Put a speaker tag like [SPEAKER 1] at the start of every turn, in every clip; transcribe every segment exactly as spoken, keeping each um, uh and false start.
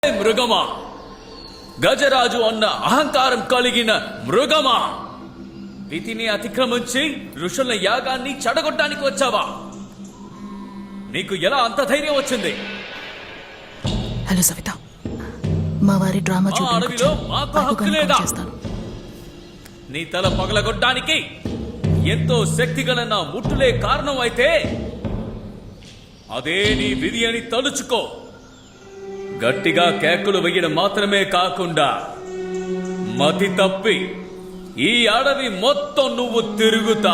[SPEAKER 1] మృగమా, గజరాజు అన్న అహంకారం కలిగిన మృగమా, విధిని అతిక్రమించి ఋషుల యాగాన్ని చెడగొట్టడానికి వచ్చావా? నీకు ఎలా అంత ధైర్యం వచ్చింది?
[SPEAKER 2] హలో సవిత, మా వారి డ్రామా
[SPEAKER 1] ఆ అడవిలో మాకు హక్కు లేదా?
[SPEAKER 2] చేస్తాను.
[SPEAKER 1] నీ తల పగలగొట్టడానికి ఎంతో శక్తి గల నా ముట్టులే కారణం అయితే అదే నీ విధి అని తలుచుకో. గట్టిగా కేకులు వేయడం మాత్రమే కాకుండా మతి తప్పి ఈ అడవి మొత్తం నువ్వు తిరుగుతా.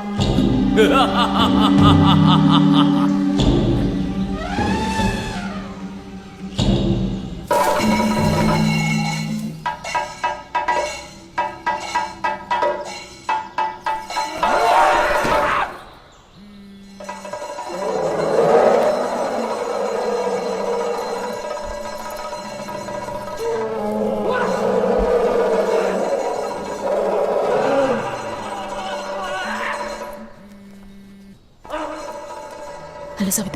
[SPEAKER 2] హలో సవిత,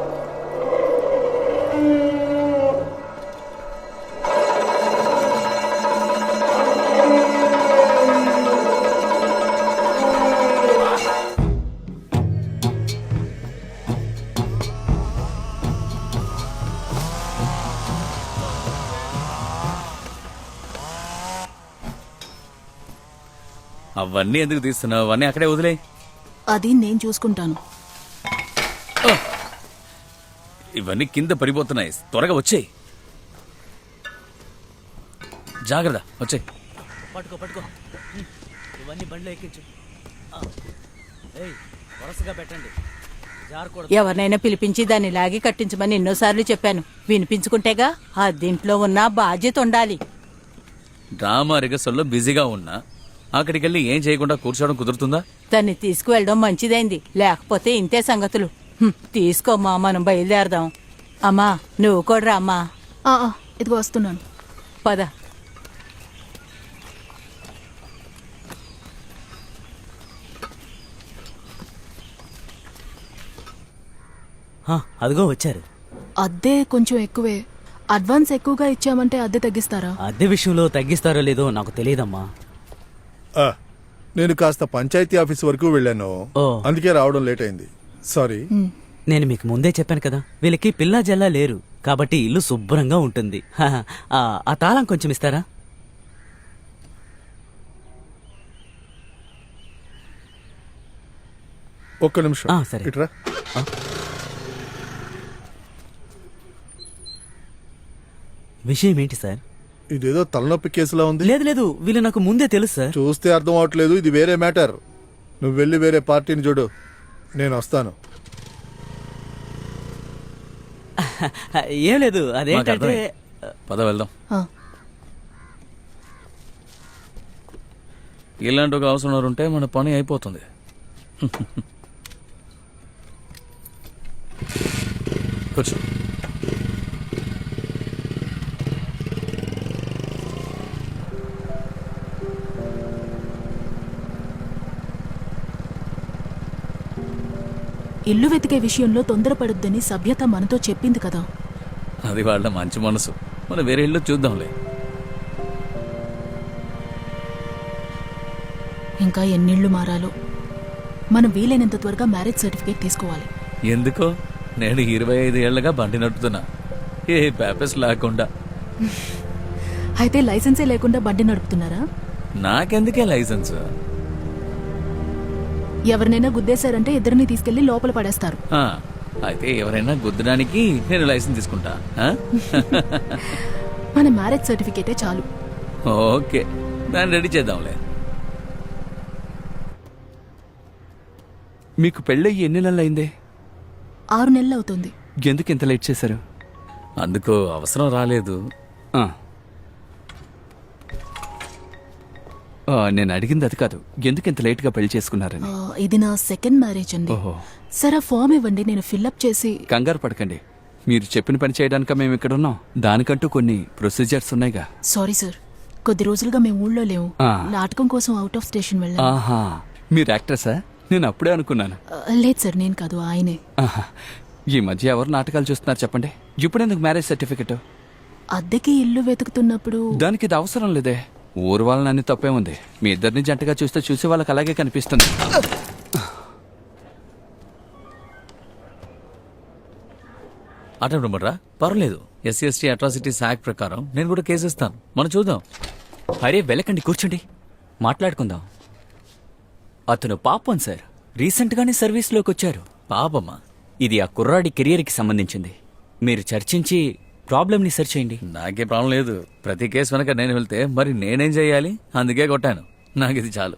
[SPEAKER 1] అవన్నీ ఎందుకు తీస్తున్నావు? అవన్నీ అక్కడే వదిలే.
[SPEAKER 2] అది నేను చూసుకుంటాను.
[SPEAKER 1] ఇవన్నీ కింద పడిపోతున్నాయి. త్వరగా వచ్చేయి. జాగ్రత్త, వచ్చేయి.
[SPEAKER 3] పట్టుకో పట్టుకో ఇవన్నీ బండ్లో ఎక్కించు. వరుసగా పెట్టండి.
[SPEAKER 4] ఎవరినైనా పిలిపించి దాన్ని లాగి కట్టించమని ఎన్నోసార్లు చెప్పాను. వినిపించుకుంటేగా ఆ దీంట్లో ఉన్న బాధ్యత ఉండాలి.
[SPEAKER 1] డ్రామా రిగర్సల్లో బిజీగా ఉన్నా అక్కడికి వెళ్ళి ఏం చేయకుండా కూర్చోవడం కుదురుతుందా?
[SPEAKER 4] దాన్ని తీసుకువెళ్ళడం మంచిదైంది, లేకపోతే ఇంతే సంగతులు. హ్మ్, తీసుకోమ్మా, మనం బయలుదేరదాం. అమ్మా నువ్వు కూడా రా అమ్మా.
[SPEAKER 2] ఆ, ఆ, ఇదిగో వస్తున్నాను.
[SPEAKER 4] పద.
[SPEAKER 3] అదిగో వచ్చారు.
[SPEAKER 2] అద్దె కొంచెం ఎక్కువే. అడ్వాన్స్ ఎక్కువగా ఇచ్చామంటే అద్దె తగ్గిస్తారా?
[SPEAKER 3] అద్దె విషయంలో తగ్గిస్తారో లేదో నాకు తెలియదమ్మా.
[SPEAKER 5] ఆ, నేను కాస్త పంచాయతీ ఆఫీస్ వరకు వెళ్ళాను,
[SPEAKER 3] ఓ.
[SPEAKER 5] అందుకే రావడం లేట్ అయింది. సారీ.
[SPEAKER 3] నేను మీకు ముందే చెప్పాను కదా, వీళ్ళకి పిల్లా జల్లా లేరు కాబట్టి ఇల్లు శుభ్రంగా ఉంటుంది. హహ, ఆ, ఆ తాళం కొంచెం ఇస్తారా?
[SPEAKER 5] ఒక్క నిమిషం.
[SPEAKER 3] ఆ, సరే.
[SPEAKER 5] ఇట్రా.
[SPEAKER 3] ఆ. విషయం ఏంటి సార్?
[SPEAKER 5] ఇదేదో తలనొప్పి కేసులా ఉంది.
[SPEAKER 3] లేదు లేదు, వీళ్ళు నాకు ముందే తెలుసు సార్.
[SPEAKER 5] చూస్తే అర్థం అవట్లేదు, ఇది వేరే మ్యాటర్. నువ్వు వెళ్ళి వేరే పార్టీని చూడు, నేను వస్తాను.
[SPEAKER 3] ఏం లేదు,
[SPEAKER 1] మాకు
[SPEAKER 3] అదేంటంటే
[SPEAKER 1] అర్థమైంది. పద వెళ్దాం.
[SPEAKER 2] ఆ,
[SPEAKER 1] ఇలాంటి ఒక అవసరం ఉంటే మన పని అయిపోతుంది. కూర్చో.
[SPEAKER 2] ఇల్లు వెతికే విషయంలో తొందరపడొద్దని సభ్యత మనతో చెప్పింది కదా.
[SPEAKER 1] అది వాళ్ళ మంచి మనసు. మనం వేరే ఇల్లు చూద్దాంలే.
[SPEAKER 2] ఇంకా ఎన్నిళ్ళు మారాలో. మనం వీలైనంత త్వరగా మ్యారేజ్ సర్టిఫికేట్ తీసుకోవాలి.
[SPEAKER 1] ఎందుకో నేను ఇరవై ఐదు ఏళ్లగా బండి నడుపుతున్నా, ఏ పేపర్స్ లేకుండా.
[SPEAKER 2] అయితే లైసెన్సే లేకుండా బండి నడుపుతున్నారా?
[SPEAKER 1] నాకెందుకే లైసెన్స్?
[SPEAKER 2] ఎవరినైనా గుద్దేశారంటే ఇద్దరిని తీసుకెళ్లి లోపల పడేస్తారు.
[SPEAKER 1] ఆ, అయితే ఎవరైనా గుద్దడానికి నేను లైసెన్స్ తీసుకుంటా. ఆ?
[SPEAKER 2] మన మ్యారేజ్ సర్టిఫికేటే చాలు.
[SPEAKER 1] ఓకే, దాన్ని రెడీ చేద్దాంలే.
[SPEAKER 6] మీకు పెళ్ళయ్యి ఎన్ని నెలలు అయిందే?
[SPEAKER 2] ఆరు నెలలు అవుతుంది.
[SPEAKER 6] ఎందుకు ఇంత లేట్ చేశారు?
[SPEAKER 1] అందుకు అవసరం రాలేదు.
[SPEAKER 6] ఆ. ఆ, నేను అడిగింది అది కాదు, ఎందుకు ఇంత లేట్గా పెళ్లి చేసుకున్నారని.
[SPEAKER 2] ఆ, ఇది నా సెకండ్ మ్యారేజ్ అండి.
[SPEAKER 6] ఓహో.
[SPEAKER 2] సరే ఆ ఫామ్ ఇవ్వండి, నేను ఫిల్అప్ చేసి.
[SPEAKER 6] కంగారు పడకండి, మీరు చెప్పిన పని చేయడానిక మేము ఇక్కడ ఉన్నాం. దానికంటూ కొన్ని ప్రొసీజర్స్ ఉన్నాయిగా.
[SPEAKER 2] సారీ సార్, కొద్ది రోజులుగా మేము ఊళ్ళో లేవు.
[SPEAKER 6] ఆ.
[SPEAKER 2] నాటకం కోసం అవుట్ ఆఫ్ స్టేషన్ వెళ్ళాం.
[SPEAKER 6] ఆహా, మీరు యాక్ట్రెసా? నేను అప్పుడే అనుకున్నాను.
[SPEAKER 2] లేదు సార్, నేను కాదు, ఆయనే.
[SPEAKER 6] ఆహా. ఈ మధ్య ఎవరు నాటకాలు చూస్తున్నారు చెప్పండి? ఇప్పుడెందుకు మ్యారేజ్ సర్టిఫికెట్?
[SPEAKER 2] అద్దెకి ఇల్లు వెతుకుతున్నప్పుడు
[SPEAKER 6] దానికి ఇది అవసరం లేదే. ఊరు వాళ్ళని అన్ని తప్పే ఉంది. మీ ఇద్దరిని జంటగా చూస్తే చూసే వాళ్ళకి అలాగే కనిపిస్తుంది.
[SPEAKER 1] అటెంప్ట్ పర్లేదు. ఎస్సీ ఎస్టీ అట్రాసిటీస్ యాక్ట్ ప్రకారం నేను కూడా కేసు ఇస్తాను. మనం చూద్దాం.
[SPEAKER 7] అరే వెళ్ళకండి, కూర్చోండి, మాట్లాడుకుందాం. అతను పాపం సార్, రీసెంట్గానే సర్వీస్లోకి వచ్చారు.
[SPEAKER 1] పాపమ్మా.
[SPEAKER 7] ఇది ఆ కుర్రాడి కెరియర్కి సంబంధించింది. మీరు చర్చించి ప్రాబ్లమ్ని సెర్చ్ చేయండి.
[SPEAKER 1] నాకే ప్రాబ్లం లేదు. ప్రతి కేసు వెనక నేను వెళ్తే మరి నేనేం చేయాలి? అందుకే కొట్టాను. నాకు ఇది చాలు.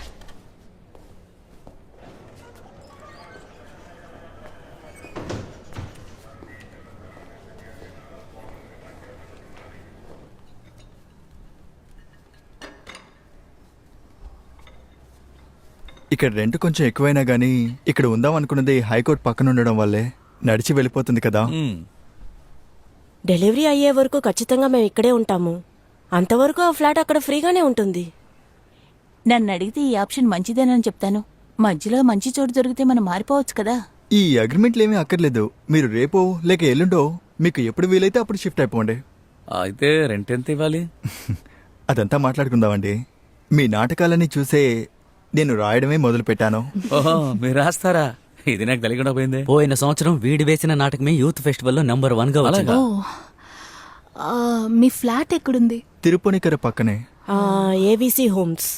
[SPEAKER 8] ఇక్కడ రెంట్ కొంచెం ఎక్కువైనా గానీ ఇక్కడ ఉందాం అనుకున్నది హైకోర్టు పక్కన ఉండడం వల్లే నడిచి వెళ్ళిపోతుంది కదా.
[SPEAKER 1] మ్మ్.
[SPEAKER 9] డెలివరీ అయ్యే వరకు ఖచ్చితంగా మేము ఇక్కడే ఉంటాము. అంతవరకు ఆ ఫ్లాట్ అక్కడ ఫ్రీగానే ఉంటుంది.
[SPEAKER 4] నన్ను అడిగితే ఈ ఆప్షన్ మంచిదేనని చెప్తాను. మధ్యలో మంచి చోటు దొరికితే మనం మారిపోవచ్చు కదా.
[SPEAKER 8] ఈ అగ్రిమెంట్లు ఏమీ అక్కర్లేదు. మీరు రేపో లేక ఎల్లుండో మీకు ఎప్పుడు వీలైతే అప్పుడు షిఫ్ట్ అయిపోండి.
[SPEAKER 1] అయితే రెంట్ ఎంత ఇవ్వాలి?
[SPEAKER 8] అదంతా మాట్లాడుకుందామండి. మీ నాటకాలన్నీ చూసే నేను రాయడమే మొదలు పెట్టాను.
[SPEAKER 1] ఓహో, మీరు రాస్తారా? ఇది నాకు తెలియకుండా పోయింది.
[SPEAKER 3] పోయిన సంవత్సరం వీడి వేసిన నాటకమే యూత్ ఫెస్టివల్లో నంబర్ వన్ గా వచ్చింది.
[SPEAKER 1] అలాగా?
[SPEAKER 2] ఓ ఆ, మీ ఫ్లాట్ ఎక్కడుంది?
[SPEAKER 8] తిరుపునికర పక్కనే.
[SPEAKER 9] A B C homes.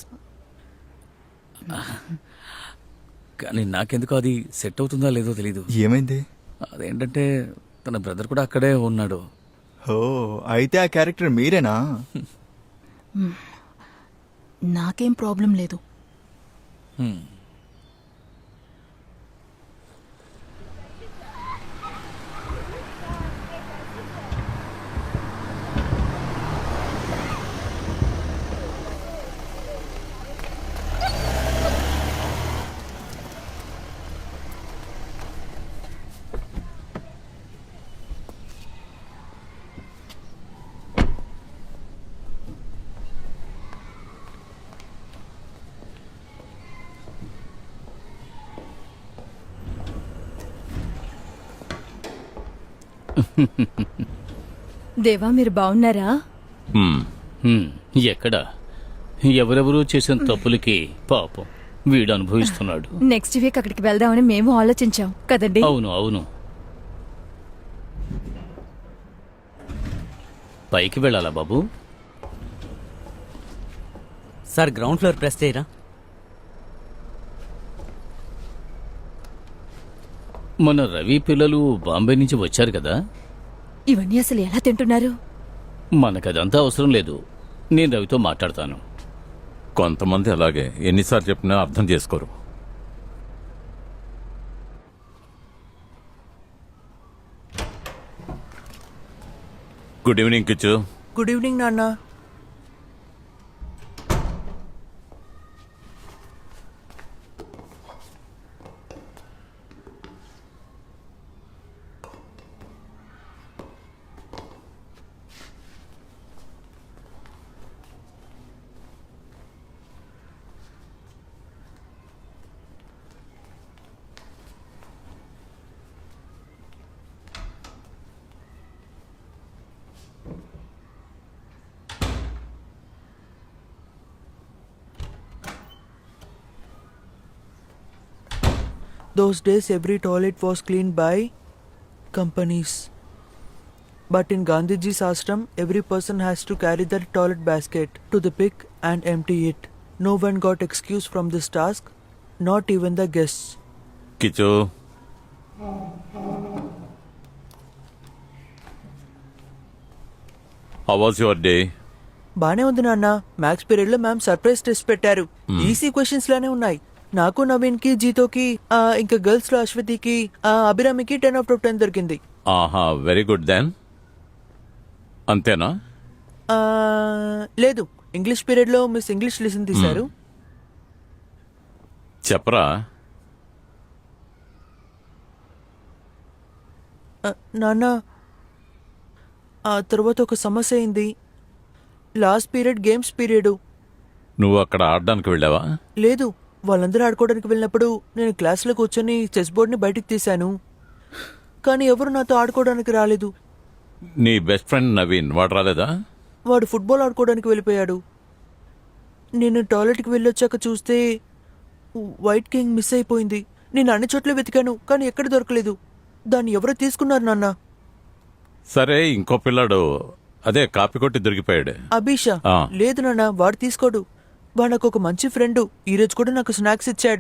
[SPEAKER 1] కానీ నాకెందుకు అది సెట్ అవుతుందో లేదో తెలీదు.
[SPEAKER 8] ఏమైంది?
[SPEAKER 1] అదేంటంటే తన బ్రదర్ కూడా అక్కడే ఉన్నాడు.
[SPEAKER 8] ఓ అయితే ఆ క్యారెక్టర్ మీరేనా?
[SPEAKER 2] నాకేం ప్రాబ్లం లేదు.
[SPEAKER 1] హ్మ్.
[SPEAKER 10] దేవా మీరు బాగున్నారా?
[SPEAKER 11] హ్మ్, ఎక్కడ ఎవరెవరూ చేసిన తప్పులకి పాపం వీడు అనుభవిస్తున్నాడు.
[SPEAKER 10] నెక్స్ట్ వీక్ అక్కడికి వెళ్దామని మేము ఆలోచించాం కదండి.
[SPEAKER 11] అవును అవును పైకి వెళ్ళాలా బాబు?
[SPEAKER 3] సార్ గ్రౌండ్ ఫ్లోర్ ప్రెస్ చేయరా?
[SPEAKER 11] మన రవి పిల్లలు బాంబే నుంచి వచ్చారు కదా.
[SPEAKER 10] ఇవన్నీ అసలు ఎలా తింటున్నారు?
[SPEAKER 11] మనకదంతా అవసరం లేదు. నేను రవితో మాట్లాడతాను.
[SPEAKER 12] కొంతమంది అలాగే ఎన్నిసార్లు చెప్పినా అర్థం చేసుకోరు. Good evening Kichu.
[SPEAKER 13] Good evening నాన్న. Those days every toilet was cleaned by companies. But in Gandhiji's ashram, every person has to carry their toilet basket to the pig and empty it. No one got excuse from this task, not even the guests.
[SPEAKER 12] Kichu, how was your day?
[SPEAKER 13] బానే ఉంది నాన్న. Maths period లో ma'am surprise test పెట్టారు. Easy questions లానే ఉన్నాయి. నాకు నవీన్ కి జీతోకి ఆ, ఇంకా గర్ల్స్ లో అశ్వతికి ఆ, అభిరామికి టెన్ అవుట్ ఆఫ్ టెన్ దొరికింది.
[SPEAKER 12] ఆహా, వెరీ గుడ్ దెన్. అంతేనా?
[SPEAKER 13] ఆ, లేదు, ఇంగ్లీష్ పీరియడ్ లో మిస్ ఇంగ్లీష్ లెసన్ తీశారు.
[SPEAKER 12] చెప్పరా.
[SPEAKER 13] ఆ, నాన్న, ఆ తర్వాత ఒక సమస్య అయింది. Last period games period.
[SPEAKER 12] నువ్వు అక్కడ ఆడడానికి వెళ్ళావా?
[SPEAKER 13] లేదు, వాళ్ళందరూ ఆడుకోవడానికి వెళ్ళినప్పుడు నేను క్లాస్లో కూర్చొని చెస్ బోర్డ్ని బయటికి తీశాను. కానీ ఎవరు నాతో ఆడుకోవడానికి రాలేదు.
[SPEAKER 12] నీ బెస్ట్ ఫ్రెండ్ నవీన్ వాడు రాలేదా?
[SPEAKER 13] వాడు ఫుట్బాల్ ఆడుకోవడానికి వెళ్ళిపోయాడు. నేను టాయిలెట్కి వెళ్ళొచ్చాక చూస్తే వైట్ కింగ్ మిస్ అయిపోయింది. నేను అన్ని చోట్ల వెతికాను కానీ ఎక్కడ దొరకలేదు. దాన్ని ఎవరో తీసుకున్నారు నాన్న.
[SPEAKER 12] సరే ఇంకో పిల్లాడు అదే కాపీ కొట్టి దొరికిపోయాడు.
[SPEAKER 13] అభిషా
[SPEAKER 12] ఆ.
[SPEAKER 13] లేదు నాన్న, వాడు తీసుకోడు. వాడు నాకు ఒక మంచి ఫ్రెండ్. ఈ రోజు కూడా నాకు స్నాక్స్ ఇచ్చాడు.